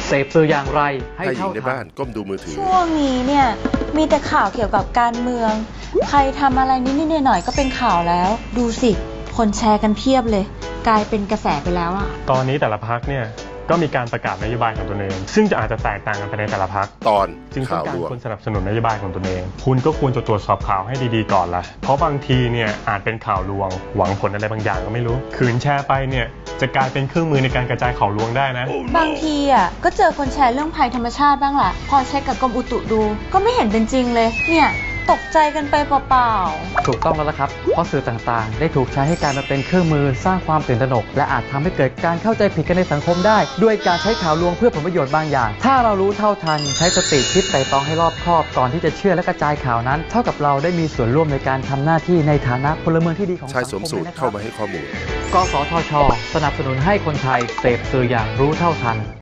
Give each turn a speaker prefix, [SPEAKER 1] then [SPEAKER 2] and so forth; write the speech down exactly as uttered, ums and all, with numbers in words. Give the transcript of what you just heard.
[SPEAKER 1] เสพสื่ออย่างไรให้
[SPEAKER 2] หญิ
[SPEAKER 1] เท่าง
[SPEAKER 2] ใน
[SPEAKER 1] ทั
[SPEAKER 2] บ้าน นก้มดูมือถือ
[SPEAKER 3] ช่วงนี้เนี่ยมีแต่ข่าวเกี่ยวกับการเมืองใครทำอะไรนิดๆหน่อยๆก็เป็นข่าวแล้วดูสิคนแชร์กันเพียบเลยกลายเป็นกระแสไปแล้วอะ
[SPEAKER 4] ตอนนี้แต่ละพรรคเนี่ยก็มีการประกาศนโยบายของตนเองซึ่งจะอาจจะแตกต่างกันไปในแต่ละพรรค
[SPEAKER 2] ตอน
[SPEAKER 4] จึงต้องการ
[SPEAKER 2] ข่าวลวง
[SPEAKER 4] คนสนับสนุนนโยบายของตนเองคุณก็ควรจะตรวจสอบข่าวให้ดีๆก่อนละเพราะบางทีเนี่ยอาจเป็นข่าวลวงหวังผลอะไรบางอย่างก็ไม่รู้ขืนแชร์ไปเนี่ยจะกลายเป็นเครื่องมือในการกระจายข่าวลวงได้นะ
[SPEAKER 3] บางทีอ่ะก็เจอคนแชร์เรื่องภัยธรรมชาติบ้างล่ะพอเช็คกับกรมอุตุดูก็ไม่เห็นเป็นจริงเลยเนี่ยตกใจกันไปเปล่า
[SPEAKER 1] ถูกต้องแล้วละครับเพราะสื่อต่างๆได้ถูกใช้ให้กลายมาเป็นเครื่องมือสร้างความตื่นตระหนกและอาจทำให้เกิดการเข้าใจผิดกันในสังคมได้ด้วยการใช้ข่าวลวงเพื่อผลประโยชน์บางอย่างถ้าเรารู้เท่าทันใช้สติคิดไตร่ตรองให้รอบคอบก่อนที่จะเชื่อและกระจายข่าวนั้นเท่ากับเราได้มีส่วนร่วมในการทำหน้าที่ในฐานะพลเมืองที่ดีของสังคม
[SPEAKER 2] ชายสวมสูทเข้ามาให้ข้อมูล
[SPEAKER 1] กสทช.สนับสนุนให้คนไทยเสพสื่ออย่างรู้เท่าทัน